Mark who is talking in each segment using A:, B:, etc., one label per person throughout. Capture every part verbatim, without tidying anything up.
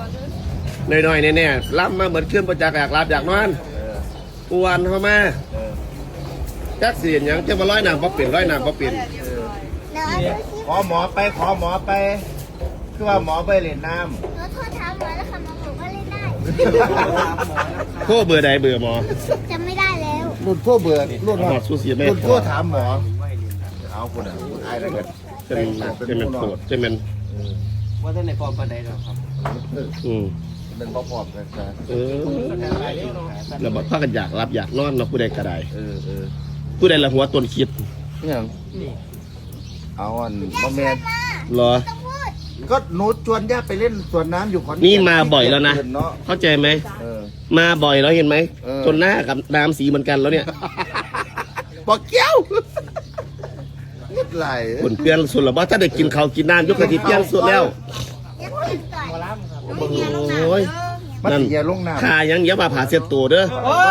A: หน่อยๆเนี่ยๆล้ำมาเหมือนขึ้นประจักษ์อยากรับอยากนอนปวนเข้ามาจักเสียนยังจะมาร้อยหนังพอเปลี่ยนร้อยหนังพอเปลี่ยน
B: ขอหมอไปขอหมอไปคือว่าหมอไปเล่นน้ำ
C: หนูโทษถามหมอแล้วค่ะหมอบอกว่าเล่นได้
A: โคเบื่อใดเบื่อหมอ
C: จำไม่ได้แล้ว
B: รุ่นพ่อเบื่อรุ่นพ่อรุ่นพ่อถามหมอเอาคนอ่ะไอ้อะไรกัน
A: จะเป็นจะเป็นโกรธจะเป็น
D: ว่าท่านในฟอร์มปันใดหรอครับ
A: อืม
B: เป็นพ่อพอดกันนะ
A: เออแล้วบอกพากันอยากรับอยากนอนเราผู้ใดก็ได้
B: เออเออ
A: ผู้ใดละหัวต้นคิด
B: เนี่ยเอาอันบอมแมน
A: เหรอ
B: ก็หนูชวนย่าไปเล่นสวนน้ำอยู่ขอน
A: นี่มาบ่อยแล้วนะเข้าใจไหมมาบ่อยแล้วเห็นไหมจนหน้ากับน้ำสีเหมือนกันแล้วเนี่ย
B: บอกเกี้ยวไหล
A: คนเปลี่ยนสุดหรอว่าถ้าได้กินเขากินน้ำยกกระดิ่งเปลี่ยนสุดแล้วโอ้ย
B: นั่นอย่าลงน้ำ
A: ขายังเยอะมาผ่าเสียตัวเด้อ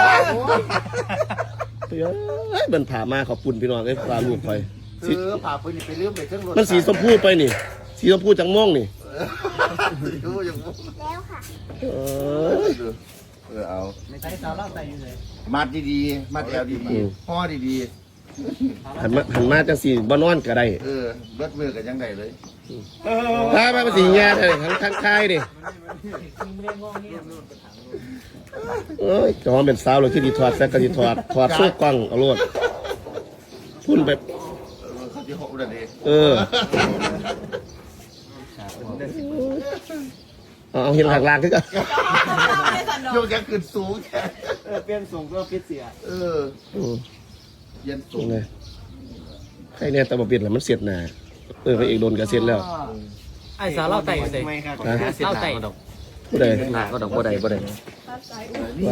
A: เฮ้ยมันผ่ามาขอบคุณพี่น้องไอ้ปลาลูกไป
B: เออผ่าไปนี่ไปเลื่อมไปเครื่องรถ
A: มันสีชมพูไปนี่สีชมพูจังม่วงนี่
C: แล้วค่ะ
B: เออเออเอา
D: ไม่ใช่สาวเล่าใจอยู่เลย
B: มัดดีๆมัดแอลดีๆห่อดี
A: ๆหันมาหันมาจังสีบ้านนอนก็ได้
B: เออเบิดมือกันยังไงเลย
A: ถ้ามาเป็นสีแง่เลยทั้งทั้งค่ายดิเอ้ยจะว่าเป็นสาวเลยที่ดีถอดแซกก็ดีถอดถอดสู้กล้องเอาโลดพุ่นแบบเออเอาเห็นหลักลางขึ้นกัน
B: โยกยังขึ้นสูงแค่
D: เปลี่ยนส่งก็ฟิตเสีย
B: เออยันสูง
A: เลยใครเนี่ยตะบะเปลี่ยนแล้วมันเสียดหนาเออไปเอกโดนกระเซ็นแล้ว
D: ไอ้สาวเล่าใจอยู่เลยเล่าใจดอก
A: ผู้ใด
D: ก็ดอกผู้ใดผู้ใด
A: ว่า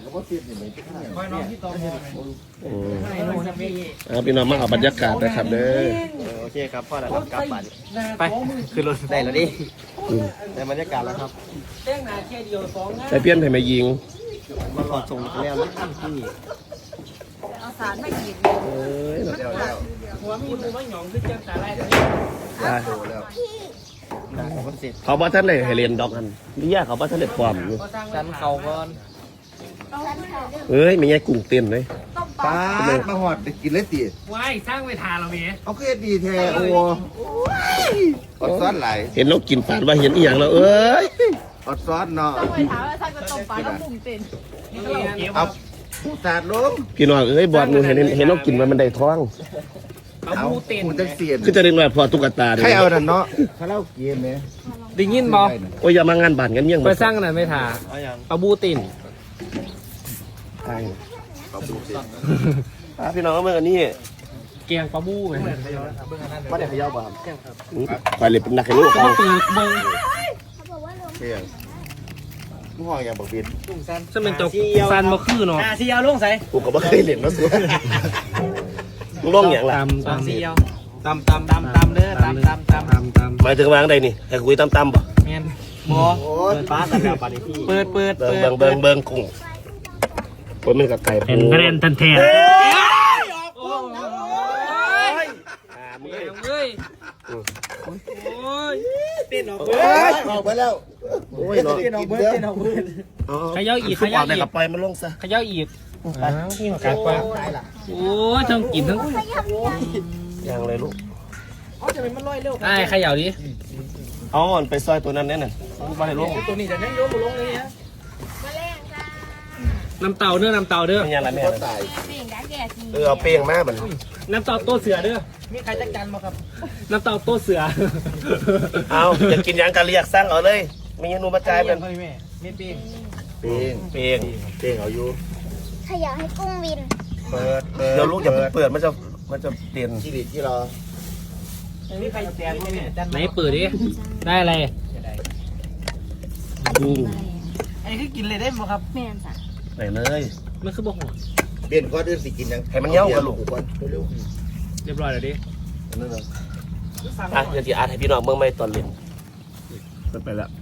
A: สิพี่น้องมาเอาบรรยากาศนะครับเด้อ
D: โอเคครับพ่อแล้วกลับบ้านไปขึ้นรถได้แล้วดิได้บรรยากาศแล้วครับเต้งหนาแค่เดียวสอง
A: ใส่เพี้ยนให้มายิง
D: มาขอส่งแล้วที่
C: เอาสารไม่กิน
A: เอ้ย
D: หัวมีมือว่าหยองขึ้นจังสาไรเลย
A: เขาบอกท่านเลยให้เรียนดอกกันนี่ยากเขาบอกท่านเลยความอยู่
D: ฉันเขาก่อน
A: เฮ้ยไม่ใช่กุ้งเต้นเลย
B: ปลามาหอดไปกินเลยตี
D: ว้ายสร้างไปทานเราเมีย
B: เอาเคสดีแท้โอ้อดซ้อนไหล
A: เห็นนกกินปลาว่าเห็นอีหยังแล้วเอ้ย
B: อดซ้อนเนาะ
C: ต้องไปถามว่าท่านก็ต้มปลาแล้วกุ้งเต้น
B: เอาสาดลง
A: พี่น้องเอ้ยบอดนูเห็นเห็นนกกินมันมันได้ท้อง
D: เอาบูเต้น
B: จะเสียน
A: คือจะเรียกว่าพอตุ๊กตา
B: ใครเอาดันเนาะเขาเล่าเกมเนี่ย
D: ได้ยินบอ
A: โอ้ยอย่ามางานบ้านกันยัง
D: ไปสร้างน่ะไม่ถ่าเอาบูเต้น
A: ใช่พี่น้องเมื่อกันนี่
D: เกียงปลาบูไหม
A: ไม่ได้ขย่าบ้างไปเลยเป็นนักขลุ่เขา
D: เปิดเบิ้ง
B: เกียงลูกห้องอย่างบอกบิน
D: จะเป็นตัวซันมาคือเนาะซีเอาลุงใส่
A: กูก็ไม่เคยเล่นมาสุดลุงร้องอย่างไร
D: ตำซีเอาตำตำตำตำเด้อตำตำตำตำตำ
A: หมายถึงวางใดนี่ให้คุยตำตำป่ะ
D: เมียนบอเปิดฟ้าแต่แบบปฏิทินเปิดเปิด
A: เบิ้งเบิ้งเบิ้งกุ้งผมเป็นกับไก่
D: เป็นกระเด็นทันเทนโอ้ยโอ้ยเต้นออก
B: ออกไปแล้ว
A: โอ้ย
D: เต้นออกเบิร์ดเต้นออกเบิร์ดขย่าอีกขย่าอีก
A: ปล่อยมันลงซะ
D: ขย่าอีกนี่มาการปลาโอ้ยทั้งกินทั้ง
A: ยังเลยลูก
D: ไอ้ขย่าดิ
A: เอาอ่อนไปซอยตัวนั้นแน่นอนมาให้ลง
D: ตัวนี้จะนั่งโยมลงเลยนะน้ำเต่าเด้อน้ำเต่าเด้อ
A: ไม่ยังไรแม่เออเอาเปียงมาเหมือน
D: น้ำเต่าโตเสือเด้อมีใครจักจันมาครับน้ำเต่าโตเสือ
A: เอาอยากกินยังกันเรียกสั่งเอาเลยมีเมนูมาจ่ายเป็น
D: แม่ไม่เปียง
A: เปียงเปียงเปียงเอาอยู่
C: ขยะให้กุ้งวิน
B: เปิด
A: เดี๋ยวลูกอย่าเปิดมันจะมันจะเตียน
B: ที่ดิที่รอ
D: มีใครแจกไหนเปิดดิได้อะไร
A: กุ้ง
D: ไอ้คือกินเลยได้ไหมครับ
C: แม่จ้ะ
A: ไหนเลย
D: มันคือบอกหัว
B: เปลี่ยนก้อนเดือนสิกินยัง
A: ให้มันเย้ากันลูก
D: เรียบร้อยแล้วดิ
B: นั่นเหรอ
A: อ่ะเดี๋ยวที่อาร์ตให้พี่น้องเมื่อไม่ตอนเรียนไปแล้ว